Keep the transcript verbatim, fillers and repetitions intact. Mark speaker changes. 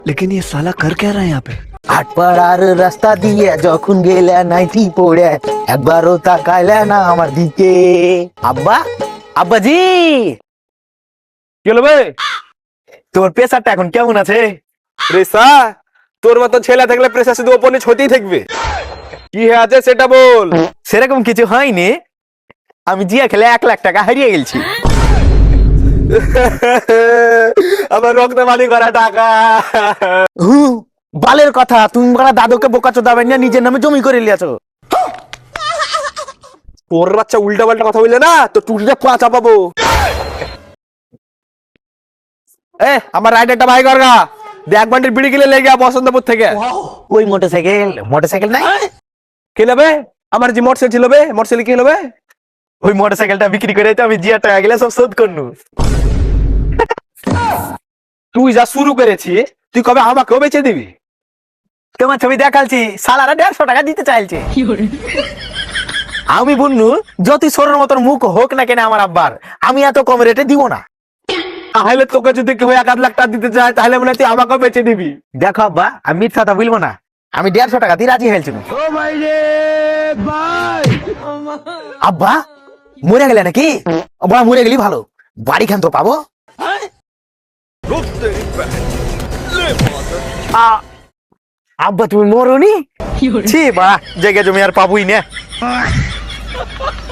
Speaker 1: लेकिन ये साला कर क्या रहा है यहाँ पे?
Speaker 2: আটপাড়ার রাস্তা দিয়ে যখন গেলে নাইটি পড়ে একবারও তাকাইলে না আমার দিকে। আব্বা, আব্বাজি,
Speaker 3: কি হলো বে?
Speaker 2: তোর প্রেসারটা এখন কেমন আছে?
Speaker 3: প্রেসার? তোর মতো ছেলে থাকলে প্রেসার শুধু ওপর নিচ হতেই থাকবে। কি হয়ে আছে সেটা বল।
Speaker 2: সেরকম কিছু হয়নি, আমি জিয়া খেলে এক লাখ টাকা হারিয়ে গেছি।
Speaker 3: আমার রক্ত মানি করা টাকা।
Speaker 2: হু, বালের কথা, তুমি বড় দাদুকে বোকাচো দাবেন না, নিজের নামে জমি করে লিয়াছো।
Speaker 3: তোর বাচ্চা উল্টা পাল্টা কথা বললে না তো টুটিটা পা চাপাবো। এ আমার রাইডারটা ভাই করগা দেখ বান্ডির বিড়ি কিলে লেগে বসন্তপুর থেকে।
Speaker 2: ওই মোটরসাইকেল, মোটরসাইকেল নাই?
Speaker 3: কি নেবে? আমার যে মোটরসাইকেল ছিল বে, মোটরসাইকেল কি নেবে?
Speaker 2: ওই মোটরসাইকেলটা বিক্রি করে তো আমি জিয়া টাকা গেলে সব শোধ করনু।
Speaker 3: তুই যা শুরু করেছিস তুই কবে আমাকেও বেচে দিবি?
Speaker 2: তোমার ছবি দেখালছি, সালারা দেড়শো টাকা দিতে চাইছে। আমি বললু যতই সরের মতন মুখ হোক না কেন আমার আব্বার, আমি এত কম রেটে দিব না।
Speaker 3: তাহলে তোকে যদি কেউ এক আধ লাখ টাকা দিতে চায় তাহলে মনে হয় তুই আমাকেও বেচে দিবি।
Speaker 2: দেখো আব্বা, আমি মিথ্যা কথা বলবো না, আমি দেড়শো টাকা দিয়ে রাজি হয়েছিল। আব্বা মরে গেলে নাকি? বড় মরে গেলি ভালো, বাড়ি খান তো পাবো। আ- আব্বা তুমি মরনি? ছি বা, জায়গা জমি আর পাবই না।